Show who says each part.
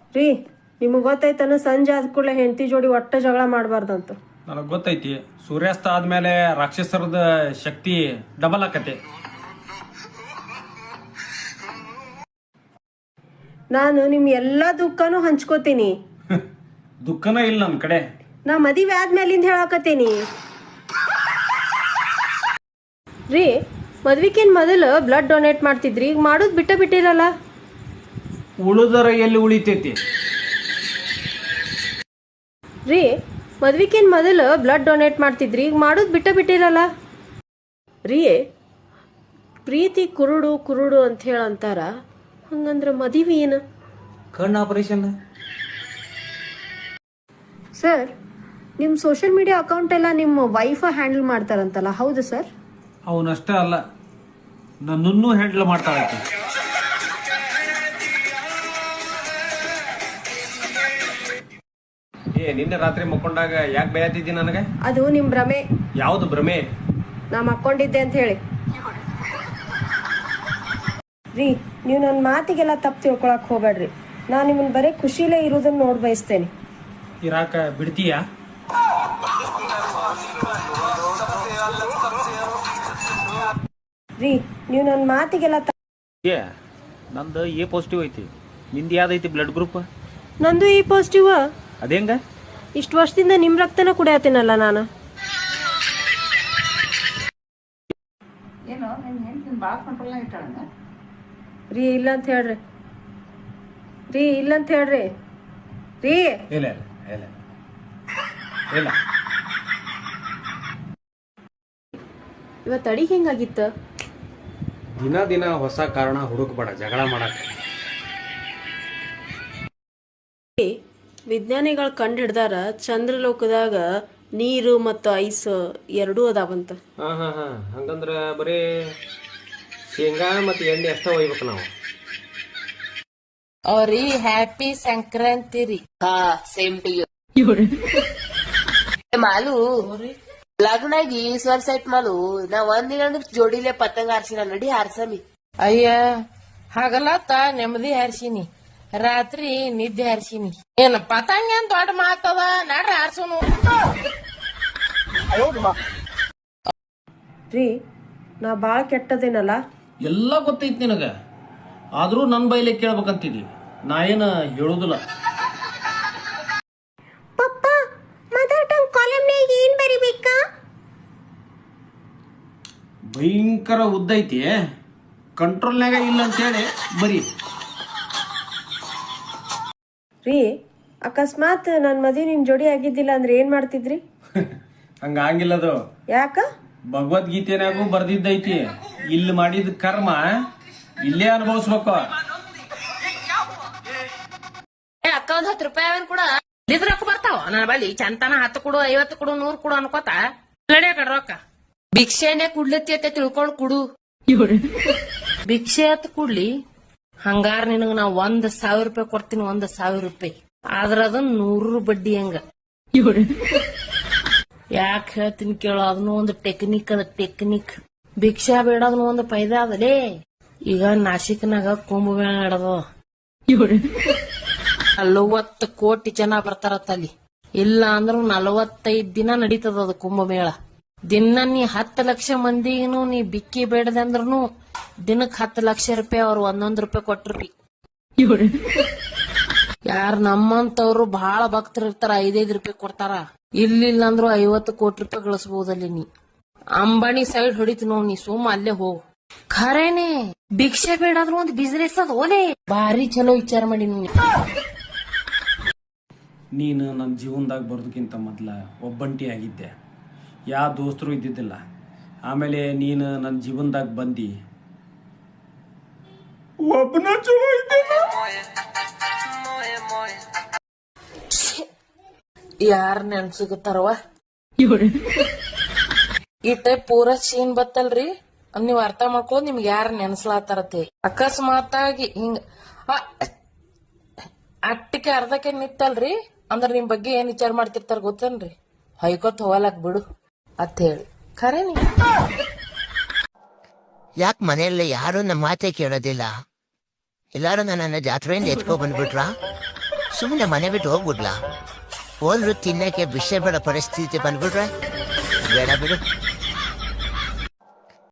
Speaker 1: ರೀ ನಿಮಗೆ ಗೊತ್ತೈತನ ಸಂಜೆ ಆದ ಕೂಡಲೇ ಹೆಂಡತಿ ಜೋಡಿ ಒಟ್ಟ ಜಗಳ ಮಾಡಬಾರ್ದಂತ.
Speaker 2: ನನಗೆ ಗೊತ್ತೈತಿ, ಸೂರ್ಯಾಸ್ತ ಆದ್ಮೇಲೆ ರಾಕ್ಷಸರದ ಶಕ್ತಿ ಡಬಲ್ ಆಕತೆ.
Speaker 1: ನಾನು ನಿಮ್ಮ ಎಲ್ಲ ದುಃಖನೂ ಹಂಚ್ಕೋತೀನಿ.
Speaker 2: ದುಃಖನ ಇಲ್ಲ ನನ್ನ ಕಡೆ.
Speaker 1: ನಾ ಮದುವೆ ಆದ್ಮೇಲಿಂದ ಹೇಳಾಕತ್ತೀನಿ ರೀ. ಮದ್ವಿಕಿನ್ ಮೊದಲು ಬ್ಲಡ್ ಡೊನೇಟ್ ಮಾಡ್ತಿದ್ರಿ, ಈಗ ಮಾಡೋದು ಬಿಟ್ಟಿರಲ್ಲ.
Speaker 2: ಉಳಿದರ ಎಲ್ಲಿ ಉಳಿತೈತಿ
Speaker 1: ರೀ? ಮದ್ವಿಕಿನ್ ಮೊದಲು ಬ್ಲಡ್ ಡೊನೇಟ್ ಮಾಡ್ತಿದ್ರಿ, ಈಗ ಮಾಡೋದು ಬಿಟ್ಟಿರಲ್ಲ ರೀ. ಪ್ರೀತಿ ಕುರುಡು ಕುರುಡು ಅಂತ ಹೇಳಂತಾರ, ಹಂಗಂದ್ರ ಮದುವೆ ಏನು?
Speaker 2: ಕಣ್ಣು ಆಪರೇಷನ್.
Speaker 1: ಸರ್, ನಿಮ್ಮ ಸೋಷಿಯಲ್ ಮೀಡಿಯಾ ಅಕೌಂಟ್ ಎಲ್ಲ ನಿಮ್ಮ ವೈಫ್ ಹ್ಯಾಂಡಲ್ ಮಾಡ್ತಾರಂತಲ್ಲ, ಹೌದು ಸರ್?
Speaker 2: ಅವನಷ್ಟೇ ಅಲ್ಲ, ನನ್ನನ್ನು ಹ್ಯಾಂಡಲ್ ಮಾಡ್ತಾಳೆ. ನಿನ್ನೆ ರಾತ್ರಿ ಮಕ್ಕೊಂಡಾಗ ಯಾಕೆ ಬಯತಿದ್ದಿ ನನಗೆ?
Speaker 1: ಅದು ನಿಮ್ ಭ್ರಮೆ.
Speaker 2: ಯಾವ್ದು ಭ್ರಮೆ?
Speaker 1: ನಾ ಮಕ್ಕೊಂಡಿದ್ದೆ ಅಂತ ಹೇಳಿ. ರೀ, ನೀವು ನನ್ನ ಮಾತಿಗೆಲ್ಲ ತಪ್ಪು ತಿಳ್ಕೊಳಕ್ ಹೋಗ್ಬೇಡ್ರಿ. ನಾ ನಿಮ್ಮನ್ನ ಬರೀ ಖುಷಿಲೇ ಇರೋದನ್ನ ನೋಡ್ ಬಯಸ್ತೇನೆ.
Speaker 2: ಇರಾಕ ಬಿಡ್ತೀಯಾ?
Speaker 1: ರೀ, ನೀವು ನನ್ನ ಮಾತಿಗೆಲ್ಲ
Speaker 2: ನಂದು ಎ ಪಾಸಿಟಿವ್ ಐತಿ, ನಿಂದು ಯಾವ್ದೈತಿ ಬ್ಲಡ್ ಗ್ರೂಪ್?
Speaker 1: ನಂದು ಈ ಪಾಸಿಟಿವ್.
Speaker 2: ಅದೇಂಗ?
Speaker 1: ಇಷ್ಟು ವರ್ಷದಿಂದ ನಿಮ್ ರಕ್ತನ ಕುಡಿಯತ್ತೀನಲ್ಲ ನಾನು. ರೀ ಇಲ್ಲ ಅಂತ ಹೇಳ್ರಿ. ರೀ ಇಲ್ಲ ಅಂತ ಹೇಳ್ರಿ. ರೀ
Speaker 2: ಇಲ್ಲ ಇಲ್ಲ ಇಲ್ಲ.
Speaker 1: ಇವತ್ತು ಅಡಿಗೆ ಹೆಂಗಾಗಿತ್ತು?
Speaker 2: ದಿನ ದಿನ ಹೊಸ ಕಾರಣ ಹುಡುಕ್ಬೇಡ ಜಗಳ ಮಾಡಕ್ಕೆ.
Speaker 1: ವಿಜ್ಞಾನಿಗಳು ಕಂಡು ಹಿಡ್ದಾರ ಚಂದ್ರಲೋಕದಾಗ ನೀರು ಮತ್ತು ಐಸ್ ಎರಡೂ ಅದಾವಂತ.
Speaker 2: ಹಂಗಂದ್ರ ಬರೀ ಶೇಂಗಾ ಮತ್ತು ಎಣ್ಣೆ ಅಷ್ಟ ಒಯ್ಬೇಕು ನಾವು.
Speaker 3: ಅವ್ರಿ ಹ್ಯಾಪಿ ಸಂಕ್ರಾಂತಿ ರೀ. ಹಾ, ಸೇಮ್ ಟು ಯು. ಮಾಲು ಲಗ್ನಾಗಿ ಸ್ವರ್ ಸೈಟ್ ಮಾಲು ನಾ ಒಂದಿನ ಜೋಡಿಲೆ ಪತಂಗ ಹಾರ್ಸಿನ ನಡಿ ಹಾರ್ಸಮಿ. ಅಯ್ಯ ಹಾಗಲ್ಲತ್ತ ನೆಮ್ಮದಿ ಹಾರ್ಸಿನಿ, ರಾತ್ರಿ ನಿದ್ದೆ ಹಾರ್ಸಿನಿ. ಏನ್ ಪತಂಗ ಏನ್ ದೊಡ್ಡ ಮಾತದ, ನಡ್ರಿ ಹಾರ್ಸೋನು.
Speaker 1: ರೀ, ನಾ ಬಾಳ ಕೆಟ್ಟದೇನಲ್ಲ?
Speaker 2: ಎಲ್ಲ ಗೊತ್ತೈತಿ ನಿನಗ, ಆದ್ರೂ ನನ್ನ ಬೈಲೆ ಕೇಳ್ಬೇಕಂತಿದಿ. ನಾ ಏನ ಹೇಳುದಿಲ್ಲ.
Speaker 1: ಏನ್ ಬರಿಬೇಕಾ?
Speaker 2: ಭಯಂಕರ ಉದ್ದೈತಿ, ಕಂಟ್ರೋಲ್ನಾಗ ಇಲ್ಲ ಅಂತೇಳಿ ಬರೀ.
Speaker 1: ರೀ, ಅಕಸ್ಮಾತ್ ನನ್ ಮದ್ವೆ ನಿಮ್ ಜೋಡಿ ಆಗಿದ್ದಿಲ್ಲ ಅಂದ್ರೆ ಏನ್ ಮಾಡ್ತಿದ್ರಿ?
Speaker 2: ಹಂಗಿಲ್ಲದು.
Speaker 1: ಯಾಕ?
Speaker 2: ಭಗವದ್ಗೀತೆನಾಗೂ ಬರ್ದಿದ್ದೈತಿ, ಇಲ್ಲಿ ಮಾಡಿದ ಕರ್ಮ ಇಲ್ಲೇ ಅನುಭವಿಸ್ಬೇಕು.
Speaker 3: ಅಕ್ಕ ಒಂದ್ 10 ರೂಪಾಯಿ ಅವನ್ ಕೂಡ ರೊಕ್ಕ ಬರ್ತಾವ ನನ್ನ ಬಳಿ. ಚಂತನ 10 ಕೊಡು, 50 ಕೊಡು, 100 ಕೊಡು ಅನ್ಕೋತ ನಡಿಯ ಕಡೆ ರೊಕ್ಕ. ಭಿಕ್ಷೆನೆ ಕುಡ್ಲತ್ತಿ ಅಂತ ತಿಳ್ಕೊಂಡ್ ಕುಡು. ಭಿಕ್ಷೆ ಅತ್ ಕುಡ್ಲಿ, ಹಂಗಾರ ನಿನಗ ನಾ 1,000 ರೂಪಾಯಿ ಕೊಡ್ತೀನಿ, 1,000 ರೂಪಾಯಿ. ಆದ್ರ ಅದನ್ನ 100 ಬಡ್ಡಿ ಹಂಗ. ಯಾಕೆ ಹೇಳ್ತೀನಿ ಕೇಳೋ, ಅದನ್ನು ಒಂದು ಟೆಕ್ನಿಕ್ ಅದ, ಟೆಕ್ನಿಕ್. ಭಿಕ್ಷಾ ಬೇಡ, ಅದನ್ನ ಒಂದು ಫೈದಾ ಅದಲೇ. ಈಗ ನಾಸಿಕ್ನಾಗ ಕುಂಭಮೇಳ ನಡೆದ, 40 ಕೋಟಿ ಜನ ಬರ್ತಾರತ್ತ ಅಲ್ಲಿ. ಇಲ್ಲ ಅಂದ್ರೂ 45 ದಿನ ನಡೀತದ ಅದು ಕುಂಭಮೇಳ. ದಿನ ನೀ 10 ಲಕ್ಷ ಮಂದಿಗೂ ನೀ ಬಿಕ್ಕಿ ಬೇಡದೆ ಅಂದ್ರೂ ದಿನಕ್ಕೆ 10 ಲಕ್ಷ ರೂಪಾಯಿ ಅವ್ರು 1 ರೂಪಾಯಿ ಕೊಟ್ರಿ. ಯಾರು ನಮ್ಮಂತವ್ರು ಬಹಳ ಭಕ್ತರು ಇರ್ತಾರ, 5 ರೂಪಾಯಿ ಕೊಡ್ತಾರ. ಇಲ್ಲಿಲ್ಲ ಅಂದ್ರೂ 50 ಕೋಟಿ ರೂಪಾಯಿ ಗಳಿಸಬಹುದಲ್ಲಿ. ನೀ ಅಂಬಾನಿ ಸೈಡ್ ಹೊಡಿತು ನೋಡ್, ನೀ ಸುಮ್ಮ ಅಲ್ಲೇ ಹೋಗು. ಖರೇನೆ ಭಿಕ್ಷೆ ಬೇಡಾದ್ರೂ ಒಂದು ಬಿಸ್ನೆಸ್ ಅದ ಓಲೆ. ಭಾರಿ ಚಲೋ ವಿಚಾರ ಮಾಡಿ
Speaker 2: ನೀನು ನನ್ನ ಜೀವನದಾಗ ಬರೋದಕ್ಕಿಂತ ಮೊದಲ ಒಬ್ಬಂಟಿ ಆಗಿದ್ದೆ, ಯಾವ ದೋಸ್ತರು ಇದ್ದಿದ್ದಿಲ್ಲ. ಆಮೇಲೆ ನೀನು ನನ್ನ ಜೀವನದಾಗ ಬಂದು ಒಬ್ಬನ ಚಲೋ ಇದ್ದೆ.
Speaker 3: ಯಾರ ನೆನ್ಸಿಗತ್ತಾರವ ಈ ಟೈಪ್ ಪೂರಾ ಸೀನ್ ಬತ್ತಲ್ರಿ, ನೀವ್ ಅರ್ಥ ಮಾಡ್ಕೊಳ್ಳೋದು ನಿಮ್ಗೆ ಯಾರ ನೆನ್ಸ್ಲಾತಾರತ್ತೆ. ಅಕಸ್ಮಾತ್ ಆಗಿ ಹಿಂಗ ಅಟ್ಟಕ್ಕೆ ಅರ್ಧಕ್ಕೆ ನಿತ್ತಲ್ರಿ ಅಂದ್ರ ನಿಮ್ ಬಗ್ಗೆ ಏನ್ ವಿಚಾರ ಮಾಡ್ತಿರ್ತಾರ ಗೊತ್ತೇನ್ರಿ? ಹೊಯ್ಕೊತ್ ಹೋಗಲಕ್ ಬಿಡು ಅತ್ ಹೇಳಿ ಖರೆ. ನೀ
Speaker 4: ಯಾಕೆ ಮನೆಯಲ್ಲಿ ಯಾರು ನಮ್ಮ ಮಾತೆ ಕೇಳೋದಿಲ್ಲ? ಎಲ್ಲಾರು ನನ್ನ ಜಾತ್ರೆಯಿಂದ ಎತ್ಕೊ ಬಂದ್ಬಿಟ್ರಾ? ಸುಮ್ಮನೆ ಮನೆ ಬಿಟ್ಟು ಹೋಗ್ಬಿಡ್ಲಾ? ಹೋದ್ರು ತಿನ್ನಕ್ಕೆ ವಿಷಯ ಬೇಡ ಪರಿಸ್ಥಿತಿ ಬಂದ್ಬಿಟ್ರೆ ಬೇಡ ಬಿಡು.